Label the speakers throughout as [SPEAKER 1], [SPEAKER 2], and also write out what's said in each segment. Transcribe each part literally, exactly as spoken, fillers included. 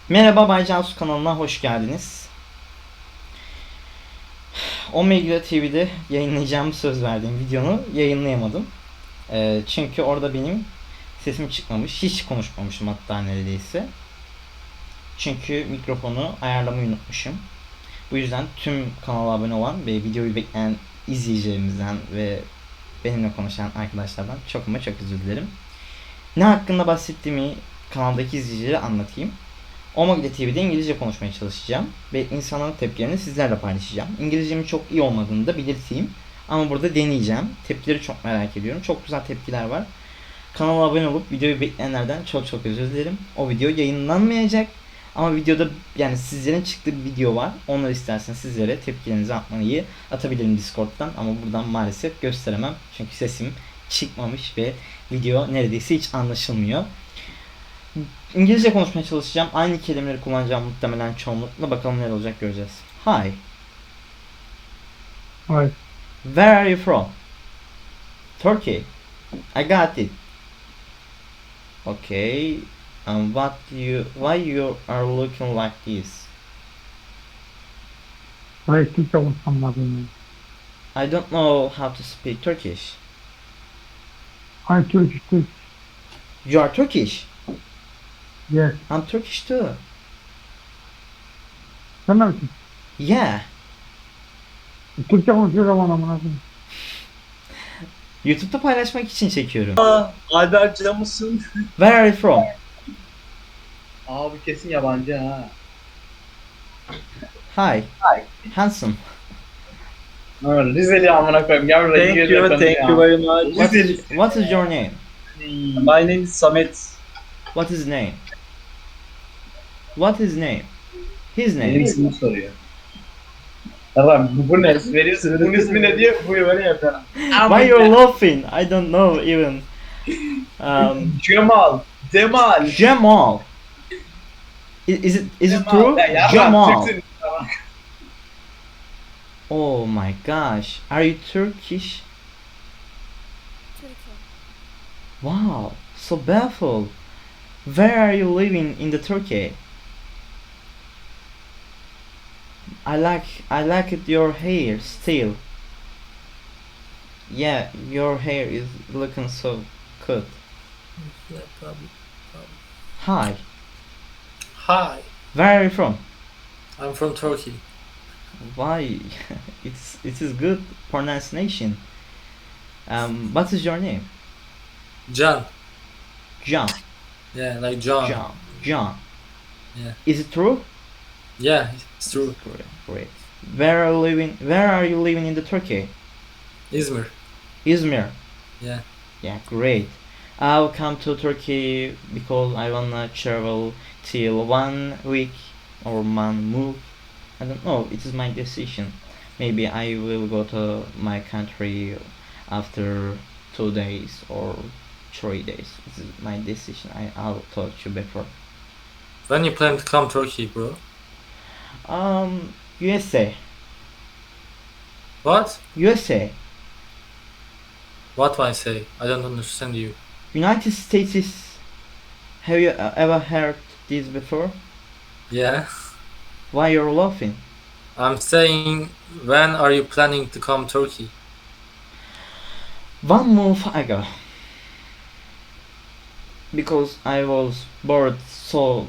[SPEAKER 1] Merhaba Bay Cansu kanalına hoş geldiniz. Omega T V'de yayınlayacağım söz verdiğim videonu yayınlayamadım. Ee, çünkü orada benim sesim çıkmamış. Hiç konuşmamışım hatta neredeyse. Çünkü mikrofonu ayarlamayı unutmuşum. Bu yüzden tüm kanala abone olan ve videoyu bekleyen izleyicilerimizden ve benimle konuşan arkadaşlardan çok ama çok özür dilerim. Ne hakkında bahsettiğimi kanaldaki izleyicilere anlatayım. Omega T V'de İngilizce konuşmaya çalışacağım ve insanların tepkilerini sizlerle paylaşacağım. İngilizcemin çok iyi olmadığını da belirteyim. Ama burada deneyeceğim. Tepkileri çok merak ediyorum. Çok güzel tepkiler var. Kanala abone olup videoyu bekleyenlerden çok çok özür dilerim. O video yayınlanmayacak. Ama videoda yani sizlerin çıktığı bir video var. Onları isterseniz sizlere tepkilerinizi atmayı atabilirim Discord'dan. Ama buradan maalesef gösteremem. Çünkü sesim çıkmamış ve video neredeyse hiç anlaşılmıyor. İngilizce konuşmaya çalışacağım. Aynı kelimeleri kullanacağım muhtemelen çoğunlukla. Bakalım ne olacak göreceğiz. Hi.
[SPEAKER 2] Hi.
[SPEAKER 1] Where are you from? Turkey. I got it. Okay. Um, what you? Why you are looking like this?
[SPEAKER 2] Hayır, Türkçe konuşmam lazım.
[SPEAKER 1] I don't know how to speak Turkish.
[SPEAKER 2] Hi, Turkish, Turkish.
[SPEAKER 1] You are Turkish.
[SPEAKER 2] Yes.
[SPEAKER 1] I'm Turkish too.
[SPEAKER 2] Sen ne misin?
[SPEAKER 1] Yeah.
[SPEAKER 2] Türkçe konuşuyor zaman amına koyayım.
[SPEAKER 1] YouTube'da paylaşmak için çekiyorum.
[SPEAKER 3] Ayberk'cı mısın?
[SPEAKER 1] Where are you from?
[SPEAKER 3] Abi kesin yabancı ha.
[SPEAKER 1] Hi. Handsome.
[SPEAKER 3] Ha, Rizeli amına koyayım. Gel buraya.
[SPEAKER 4] Thank
[SPEAKER 3] gir
[SPEAKER 4] you,
[SPEAKER 3] yakın
[SPEAKER 4] thank
[SPEAKER 3] ya.
[SPEAKER 4] you very much.
[SPEAKER 1] What
[SPEAKER 3] Rizeli.
[SPEAKER 1] is, what is your name?
[SPEAKER 4] My name is Samet.
[SPEAKER 1] What is name? What is name? His
[SPEAKER 3] Benim
[SPEAKER 1] name.
[SPEAKER 3] ismimi soruyor. Tamam bu, bu ne? Verirsin. Bunun ismi ne diye bu böyle yapar.
[SPEAKER 1] Why you're laughing? I don't know even. Um,
[SPEAKER 3] Cemal. Cemal.
[SPEAKER 1] Jamal. Is, is it is it true?
[SPEAKER 3] Ya, yarram,
[SPEAKER 1] Jamal.
[SPEAKER 3] Türksün. Tamam.
[SPEAKER 1] Oh my gosh. Are you Turkish?
[SPEAKER 5] Turkey.
[SPEAKER 1] Wow. So baffled. Where are you living in the Turkey? I like I like it your hair still. Yeah, your hair is looking so good.
[SPEAKER 4] Yeah, probably.
[SPEAKER 1] Hi.
[SPEAKER 4] Hi,
[SPEAKER 1] Where are you from?
[SPEAKER 4] I'm from Turkey.
[SPEAKER 1] Why? it's it is good pronunciation. Um, what is your name?
[SPEAKER 4] John.
[SPEAKER 1] John.
[SPEAKER 4] Yeah, like John.
[SPEAKER 1] John. John.
[SPEAKER 4] Yeah.
[SPEAKER 1] Is it true?
[SPEAKER 4] Yeah, it's true.
[SPEAKER 1] Great. Great. Where are you living? Where are you living in the Turkey?
[SPEAKER 4] Izmir.
[SPEAKER 1] Izmir.
[SPEAKER 4] Yeah.
[SPEAKER 1] Yeah. Great. I'll come to Turkey because I wanna travel till one week or one month. I don't know. It is my decision. Maybe I will go to my country after two days or three days. This is my decision. I I'll talk to you before.
[SPEAKER 4] When you plan to come Turkey, bro?
[SPEAKER 1] Um, U S A.
[SPEAKER 4] What?
[SPEAKER 1] U S A.
[SPEAKER 4] What do I say? I don't understand you.
[SPEAKER 1] United States is. Have you uh, ever heard this before?
[SPEAKER 4] Yeah.
[SPEAKER 1] Why you're laughing?
[SPEAKER 4] I'm saying, when are you planning to come Turkey?
[SPEAKER 1] One month ago. Because I was bored, so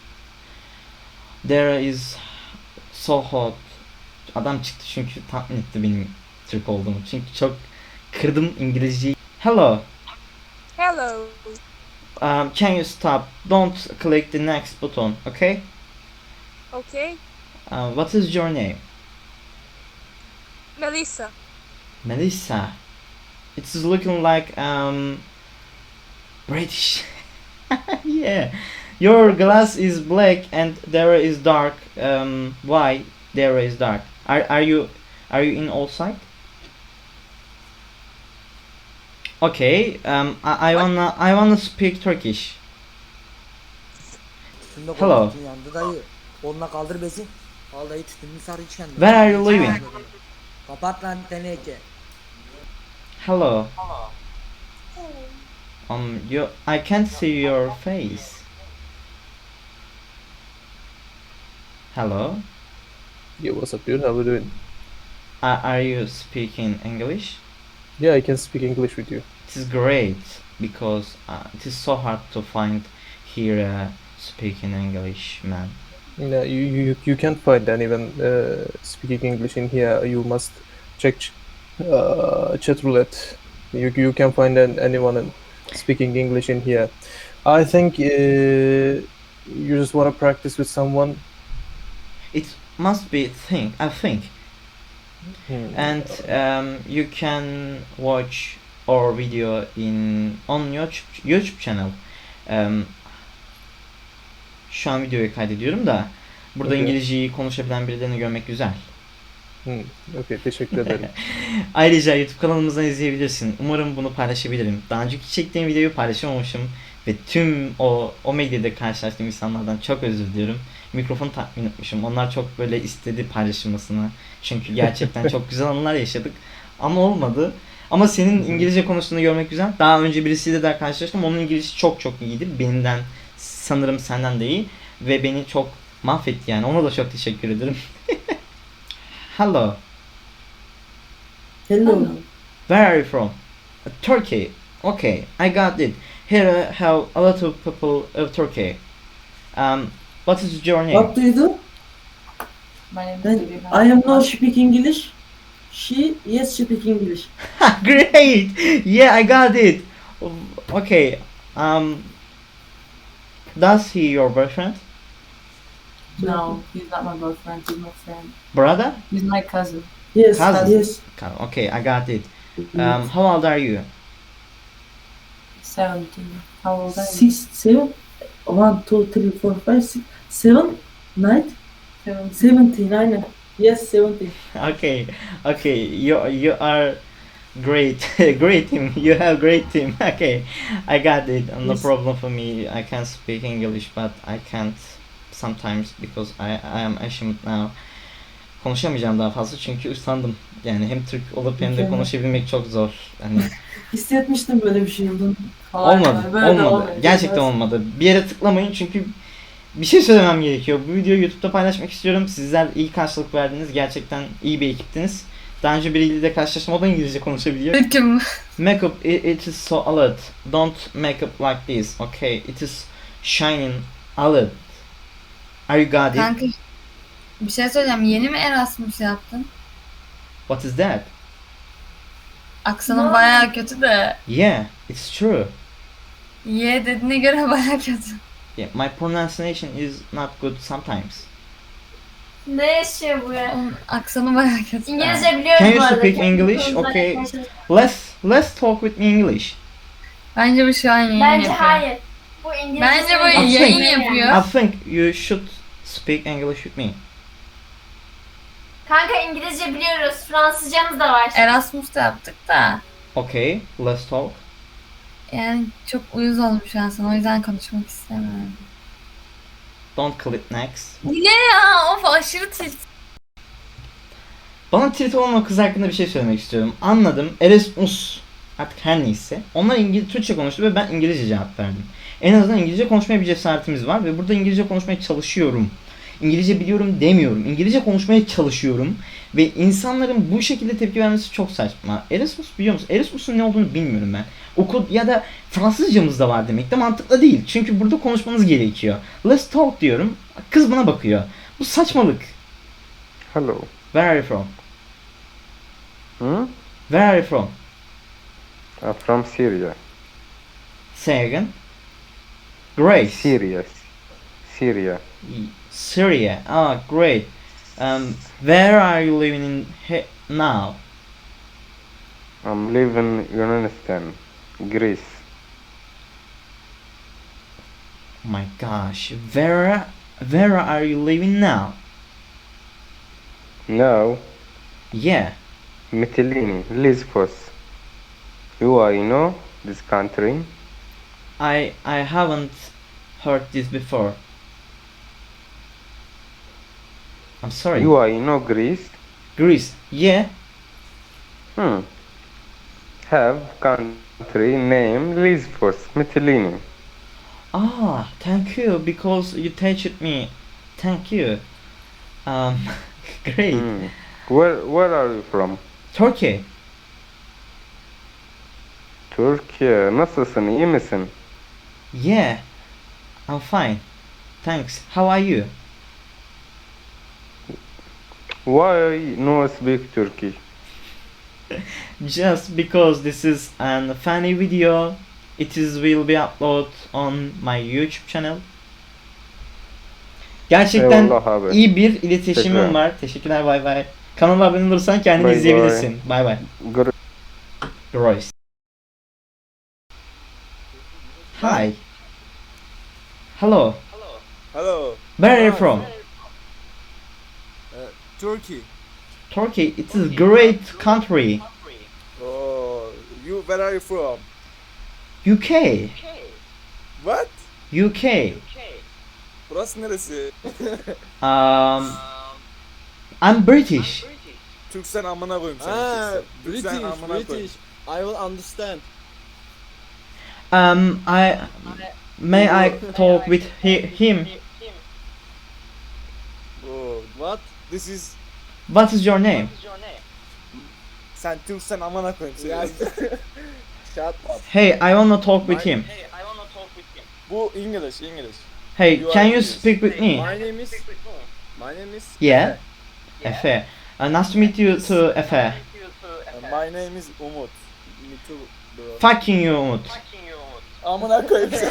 [SPEAKER 1] there is so hot. Adam çıktı çünkü tahmin etti benim Türk olduğumu. Çünkü çok kırdım İngilizceyi. Hello.
[SPEAKER 5] Hello.
[SPEAKER 1] Um, can you stop? Don't click the next button, okay?
[SPEAKER 5] Okay.
[SPEAKER 1] Uh, what is your name?
[SPEAKER 5] Melissa.
[SPEAKER 1] Melissa. It's looking like um British. Yeah. Your glass is black and there is dark. Um, why there is dark? Are are you are you in outside? Okay. Um, I, I wanna I wanna speak Turkish.
[SPEAKER 6] Tütünde
[SPEAKER 1] Hello.
[SPEAKER 6] tütün yandı dayı. Onunla kaldır bezi. Al dayı tütününü sar iç kendine.
[SPEAKER 1] Where are you living?
[SPEAKER 6] Kapat lan teneke.
[SPEAKER 1] Hello. Um, you I can't see your face. Hello.
[SPEAKER 7] Yeah, what's up, dude? How are you doing?
[SPEAKER 1] Are, are you speaking English?
[SPEAKER 7] Yeah, I can speak English with you.
[SPEAKER 1] It is great because uh, it is so hard to find here uh, speaking English man.
[SPEAKER 7] No, you you you can't find anyone uh, speaking English in here. You must check ch- uh, chat roulette. You you can find an, anyone in- speaking English in here. I think uh, you just want to practice with someone.
[SPEAKER 1] It must be thing I think,
[SPEAKER 7] Hmm.
[SPEAKER 1] and um, you can watch our video in on YouTube YouTube channel. Um, şu an videoyu kaydediyorum da burada
[SPEAKER 7] Okay.
[SPEAKER 1] İngilizceyi konuşabilen birilerini görmek güzel.
[SPEAKER 7] Hmm. Okay, teşekkür ederim.
[SPEAKER 1] Ayrıca YouTube kanalımızdan izleyebilirsin. Umarım bunu paylaşabilirim. Daha önceki çektiğim videoyu paylaşamamışım ve tüm o o medyada karşılaştığım insanlardan çok özür diliyorum. Mikrofonu takmayı unutmuşum. Onlar çok böyle istedi paylaşılmasını. Çünkü gerçekten çok güzel anılar yaşadık. Ama olmadı. Ama senin İngilizce konuştuğunu görmek güzel. Daha önce birisiyle de karşılaştım. Onun İngilizcesi çok çok iyiydi. Benimden sanırım senden de iyi. Ve beni çok mahvetti yani. Ona da çok teşekkür ederim. Hello.
[SPEAKER 6] Hello.
[SPEAKER 1] Where are you from? Uh, Turkey. Okay, I got it. Here I have a lot of people of Turkey. Um, what is your name?
[SPEAKER 8] What do you do?
[SPEAKER 9] My name is
[SPEAKER 8] Then
[SPEAKER 9] Vivian.
[SPEAKER 8] I am not speak English. She yes speak English.
[SPEAKER 1] Great. Yeah, I got it. Okay. Um, does he your boyfriend?
[SPEAKER 9] No, he's not my boyfriend. He's my friend.
[SPEAKER 1] Brother?
[SPEAKER 9] He's my cousin.
[SPEAKER 8] Yes,
[SPEAKER 1] Cousin.
[SPEAKER 8] yes.
[SPEAKER 1] Okay, I got it. Um, how old are you?
[SPEAKER 9] seventeen. How old are you?
[SPEAKER 8] Six, seven, one, two, three, four, five, six, seven, nine,
[SPEAKER 9] Seventeen.
[SPEAKER 8] seventeen. Aynen. Yes, seventeen.
[SPEAKER 1] Okay, okay. You you are great, great team. You have great team. Okay, I got it. No
[SPEAKER 8] Yes.
[SPEAKER 1] problem for me. I can speak English, but I can't sometimes because I I am ashamed now. Konuşamayacağım daha fazla çünkü usandım. Yani hem Türk olup hem de
[SPEAKER 8] Mükemmel.
[SPEAKER 1] konuşabilmek çok zor. Yani
[SPEAKER 8] Hissetmiştim böyle bir şey olduğunu.
[SPEAKER 9] Hayır,
[SPEAKER 1] olmadı,
[SPEAKER 9] böyle de
[SPEAKER 1] olmadı.
[SPEAKER 9] olmuyor.
[SPEAKER 1] Gerçekten
[SPEAKER 8] Evet.
[SPEAKER 1] olmadı. Bir yere tıklamayın çünkü bir şey söylemem gerekiyor. Bu videoyu YouTube'da paylaşmak istiyorum. Sizler iyi karşılık verdiniz. Gerçekten iyi bir ekiptiniz. Daha önce biriyle de karşılaştım. O da İngilizce konuşabiliyor.
[SPEAKER 9] Kim?
[SPEAKER 1] Makeup, it, it is so alert. Don't make up like this. Okay, it is shining alert. Are you got it?
[SPEAKER 10] Kanka bir şey söyleyeceğim. Yeni mi Erasmus yaptın?
[SPEAKER 1] What is that?
[SPEAKER 10] Aksanın bayağı kötü de.
[SPEAKER 1] Yeah, it's true.
[SPEAKER 10] Ye dediğine göre bayağı kötü.
[SPEAKER 1] Yeah, my pronunciation is not good sometimes.
[SPEAKER 11] Ne yaşıyor bu ya?
[SPEAKER 10] Onun aksanı bayağı kötü.
[SPEAKER 11] İngilizce biliyorum
[SPEAKER 1] Can
[SPEAKER 11] bu
[SPEAKER 1] you
[SPEAKER 11] arada.
[SPEAKER 1] speak
[SPEAKER 11] Kendi
[SPEAKER 1] English?
[SPEAKER 11] konuşmadan
[SPEAKER 1] Okay.
[SPEAKER 11] konuşalım.
[SPEAKER 1] Let's let's talk with me English.
[SPEAKER 10] Bence bu şu an yayın
[SPEAKER 11] Bence
[SPEAKER 10] yapıyor.
[SPEAKER 11] hayır. Bu İngilizce.
[SPEAKER 10] Bence bu
[SPEAKER 1] I
[SPEAKER 10] yayın
[SPEAKER 1] think-
[SPEAKER 10] yapıyor.
[SPEAKER 1] I think you should speak English with me.
[SPEAKER 11] Kanka İngilizce biliyoruz. Fransızcamız da var.
[SPEAKER 10] Erasmus'ta yaptık da.
[SPEAKER 1] Okay, let's talk.
[SPEAKER 10] Yani çok uyuz oldum şu an sana. O yüzden konuşmak istemiyorum.
[SPEAKER 1] Don't click next.
[SPEAKER 10] Niye ya? Of aşırı tilt.
[SPEAKER 1] Bana tilt olan o kız hakkında bir şey söylemek istiyorum. Anladım. Erasmus artık her neyse. Onlar İngiliz Türkçe konuştu ve ben İngilizce cevap verdim. En azından İngilizce konuşmaya bir cesaretimiz var ve burada İngilizce konuşmaya çalışıyorum. İngilizce biliyorum demiyorum. İngilizce konuşmaya çalışıyorum ve insanların bu şekilde tepki vermesi çok saçma. Erasmus biliyor musun? Erasmus'un ne olduğunu bilmiyorum ben. Okul ya da Fransızcamız da var demek de mantıklı değil. Çünkü burada konuşmanız gerekiyor. Let's talk diyorum. Kız bana bakıyor. Bu saçmalık.
[SPEAKER 12] Hello.
[SPEAKER 1] Where are you from?
[SPEAKER 12] Hmm?
[SPEAKER 1] Where are you from?
[SPEAKER 12] I'm from Syria.
[SPEAKER 1] Say again. Great.
[SPEAKER 12] Syria. Syria.
[SPEAKER 1] Syria. Ah, great. Um, where are you living in he- now?
[SPEAKER 12] I'm living in Yunanistan, Greece.
[SPEAKER 1] Oh my gosh. Where where are you living now?
[SPEAKER 12] Now,
[SPEAKER 1] Yeah.
[SPEAKER 12] Mytilene, Lesbos. You are, you know, this country.
[SPEAKER 1] I I haven't heard this before. I'm sorry.
[SPEAKER 12] You are, you know, Greece.
[SPEAKER 1] Greece. Yeah.
[SPEAKER 12] Hmm. Have country name Lesbos, Mytilene.
[SPEAKER 1] Ah, thank you because you touched me. Thank you. Um, great.
[SPEAKER 12] Hmm. Where Where are you from?
[SPEAKER 1] Turkey.
[SPEAKER 12] Türkiye. Nasılsın? İyi misin?
[SPEAKER 1] Yeah, I'm fine. Thanks. How are you?
[SPEAKER 12] Why no speak Turkish?
[SPEAKER 1] Just because this is an funny video, it is will be upload on my YouTube channel. Gerçekten
[SPEAKER 12] Eyvallah abi.
[SPEAKER 1] iyi bir iletişimim
[SPEAKER 12] Teşekkür.
[SPEAKER 1] var. Teşekkürler, bay bay. Kanala abone olursan kendini
[SPEAKER 12] Bay bay.
[SPEAKER 1] izleyebilirsin. Bay bay.
[SPEAKER 12] Gr-
[SPEAKER 1] Royce. Hi. Hello.
[SPEAKER 13] Hello.
[SPEAKER 1] Where are you from?
[SPEAKER 13] Turkey.
[SPEAKER 1] Turkey. It is great country.
[SPEAKER 13] Oh, you. Where are you from?
[SPEAKER 1] U K.
[SPEAKER 13] What?
[SPEAKER 1] U K.
[SPEAKER 13] Burası neresi?
[SPEAKER 1] Um, I'm British.
[SPEAKER 13] Türk sen amına koyayım seni.
[SPEAKER 14] Ah,
[SPEAKER 13] Türk sen. Türk sen
[SPEAKER 14] British,
[SPEAKER 13] amına koyayım.
[SPEAKER 14] British. I will understand.
[SPEAKER 1] Um, I may I talk with he, him?
[SPEAKER 13] Oh,
[SPEAKER 14] What?
[SPEAKER 13] this is.
[SPEAKER 1] What is your name?
[SPEAKER 13] Sen Türk sen amına koyayım seni.
[SPEAKER 14] Ya- Shut up.
[SPEAKER 1] Hey, I wanna talk with him.
[SPEAKER 13] Bu English, English.
[SPEAKER 1] Hey,
[SPEAKER 13] You
[SPEAKER 1] can
[SPEAKER 13] are
[SPEAKER 1] you
[SPEAKER 13] English.
[SPEAKER 1] speak with me?
[SPEAKER 14] My name is. My name is.
[SPEAKER 1] Yeah. Efe. Uh, nice to meet you too, Efe.
[SPEAKER 13] Uh, My name is Umut. Me too, bro.
[SPEAKER 1] Fucking you, Umut.
[SPEAKER 13] Amına koyayım seni.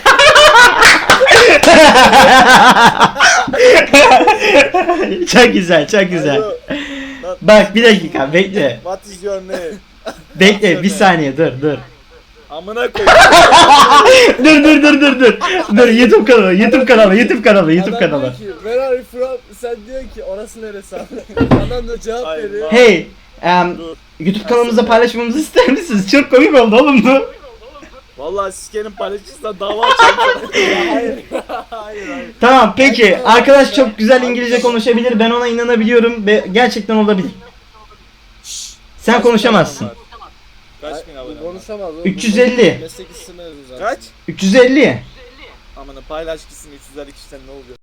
[SPEAKER 1] Çok güzel, çok güzel.
[SPEAKER 13] Alo. Not-
[SPEAKER 1] Bak bir dakika, bekle.
[SPEAKER 13] What is your name?
[SPEAKER 1] Bekle, bir saniye, dur, dur.
[SPEAKER 13] Amına koyayım.
[SPEAKER 1] dur, dur, dur, dur, dur. Dur, YouTube kanalı, YouTube kanalı, YouTube kanalı, YouTube
[SPEAKER 14] Adam
[SPEAKER 1] kanalı.
[SPEAKER 14] diyor ki, where are you from? Sen diyor ki orası neresi abi? Adam da cevap
[SPEAKER 13] Hayır,
[SPEAKER 14] veriyor.
[SPEAKER 1] Hey, um,
[SPEAKER 13] Dur.
[SPEAKER 1] YouTube kanalımızda paylaşmamızı ister misiniz? Çok komik oldu oğlum bu.
[SPEAKER 13] Vallahi sikerim paylaşırsan dava açarım.
[SPEAKER 14] Hayır. hayır hayır.
[SPEAKER 1] Tamam, peki. Arkadaş çok güzel İngilizce konuşabilir. Ben ona inanabiliyorum ve gerçekten olabilir. Sen konuşamazsın.
[SPEAKER 13] Kaç bin abone var?
[SPEAKER 14] Konuşamaz. o.
[SPEAKER 1] üç yüz elli.
[SPEAKER 14] Meslek isimleri zaten.
[SPEAKER 13] Kaç?
[SPEAKER 1] üç yüz elli.
[SPEAKER 13] Amına paylaş gitsin üç yüz elli kişiden ne oluyor?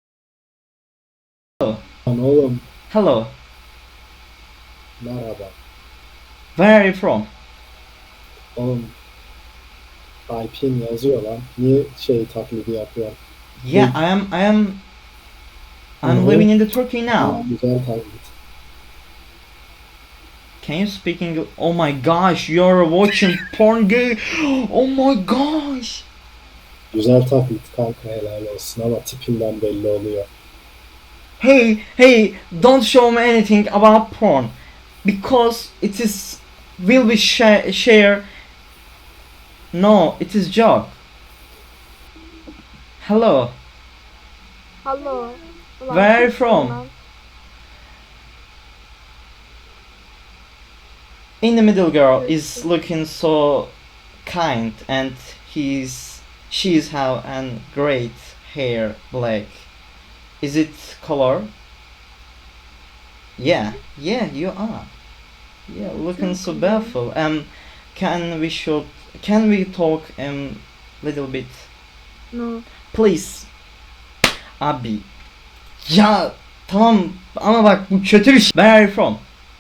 [SPEAKER 14] Lan oğlum
[SPEAKER 1] Hello.
[SPEAKER 14] merhaba.
[SPEAKER 1] Where are you from?
[SPEAKER 14] Oğlum I P N yazıyor lan. Niye şey taklidi yapıyor?
[SPEAKER 1] Yeah, I am I am I'm
[SPEAKER 14] Mhm.
[SPEAKER 1] living in the Turkey now.
[SPEAKER 14] Güzel taklit.
[SPEAKER 1] Can you speak English? Oh my gosh, you're watching porn gay. Oh my gosh.
[SPEAKER 14] Güzel taklit kanka helal olsun ama tipinden belli oluyor.
[SPEAKER 1] Hey, hey, don't show me anything about porn because it is will be sh- share. No, it is joke. Hello.
[SPEAKER 5] Hello.
[SPEAKER 1] Where are you from? In the middle girl is looking so kind and he's she's have an great hair black. Is it color? Yeah, yeah, you are. Yeah, looking so beautiful. Um, can we should can we talk um little bit?
[SPEAKER 5] No.
[SPEAKER 1] Please. Abi. Ya tamam ama bak bu kötü bir şey. Where are you from?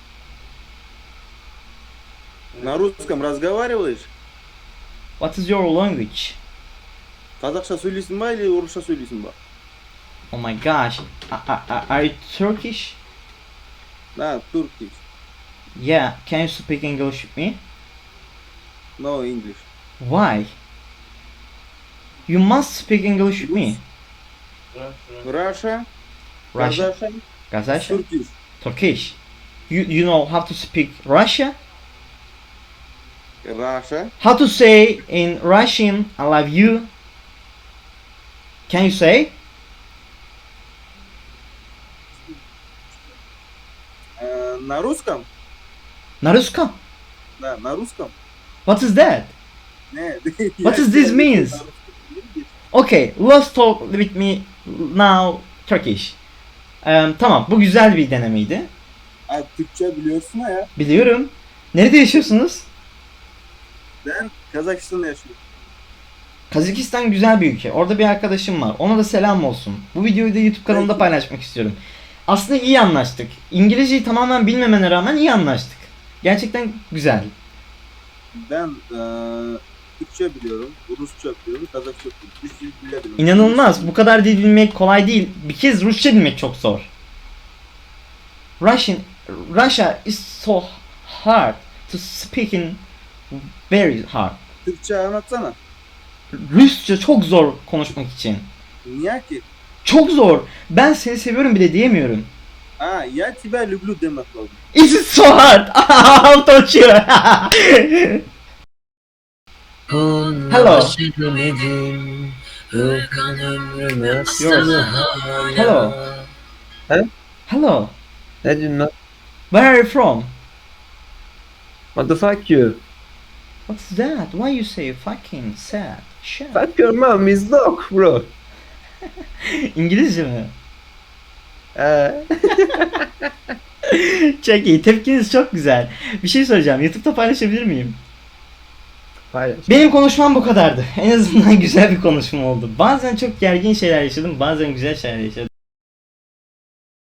[SPEAKER 13] На русском разговариваешь?
[SPEAKER 1] What is your language?
[SPEAKER 13] Қазақша söylüyorsun mu или орысша söylüyorsun mu?
[SPEAKER 1] Oh my gosh. A- a- a- Are you Turkish?
[SPEAKER 13] Да, Turkish.
[SPEAKER 1] Yeah. Can you speak English with me?
[SPEAKER 13] No English.
[SPEAKER 1] Why? You must speak English with me.
[SPEAKER 13] Russia,
[SPEAKER 1] Russia.
[SPEAKER 13] Kazakhstan,
[SPEAKER 1] Kazakhstan.
[SPEAKER 13] Turkish.
[SPEAKER 1] Turkish. You you know how to speak Russia?
[SPEAKER 13] Russia.
[SPEAKER 1] How to say in Russian I love you? Can you say?
[SPEAKER 13] Э, На русском?
[SPEAKER 1] На русском?
[SPEAKER 13] Да, на русском.
[SPEAKER 1] What is that?
[SPEAKER 13] Не.
[SPEAKER 1] What does this mean? Okay, let's talk with me now Turkish. Um, tamam, bu güzel bir denemeydi.
[SPEAKER 13] Abi Türkçe biliyorsun ha ya.
[SPEAKER 1] Biliyorum. Nerede yaşıyorsunuz?
[SPEAKER 13] Ben Kazakistan'da yaşıyorum.
[SPEAKER 1] Kazakistan güzel bir ülke. Orada bir arkadaşım var. Ona da selam olsun. Bu videoyu da YouTube kanalımda paylaşmak istiyorum. aslında iyi anlaştık. İngilizceyi tamamen bilmemene rağmen iyi anlaştık. Gerçekten güzel.
[SPEAKER 15] Ben eee Türkçe biliyorum, Rusça biliyorum, Kazakça biliyorum. Üç dil biliyorum.
[SPEAKER 1] İnanılmaz. Bu kadar dil bilmek kolay değil. Bir kez Rusça bilmek çok zor. Russian, Russia is so hard to speak in, very hard.
[SPEAKER 15] Türkçe anlatsana.
[SPEAKER 1] Rusça çok zor konuşmak için.
[SPEAKER 15] Niye ki?
[SPEAKER 1] Çok zor. Ben seni seviyorum bile diyemiyorum.
[SPEAKER 15] Ha, ya тебя люблю demek lazım.
[SPEAKER 1] It's so hard. I'll touch you. Hello. Yours. Hello.
[SPEAKER 7] Huh?
[SPEAKER 1] Hello.
[SPEAKER 7] I did not.
[SPEAKER 1] Where are you from?
[SPEAKER 7] What the fuck you?
[SPEAKER 1] What's that? Why you say fucking sad? Shit.
[SPEAKER 7] Fuck your mom is dog bro.
[SPEAKER 1] İngilizce mi?
[SPEAKER 7] Ee,
[SPEAKER 1] Çok iyi. Tepkiniz çok güzel. Bir şey soracağım. YouTube'da paylaşabilir miyim?
[SPEAKER 7] paylaş.
[SPEAKER 1] Benim konuşmam bu kadardı. En azından güzel bir konuşma oldu. Bazen çok gergin şeyler yaşadım. Bazen güzel şeyler yaşadım.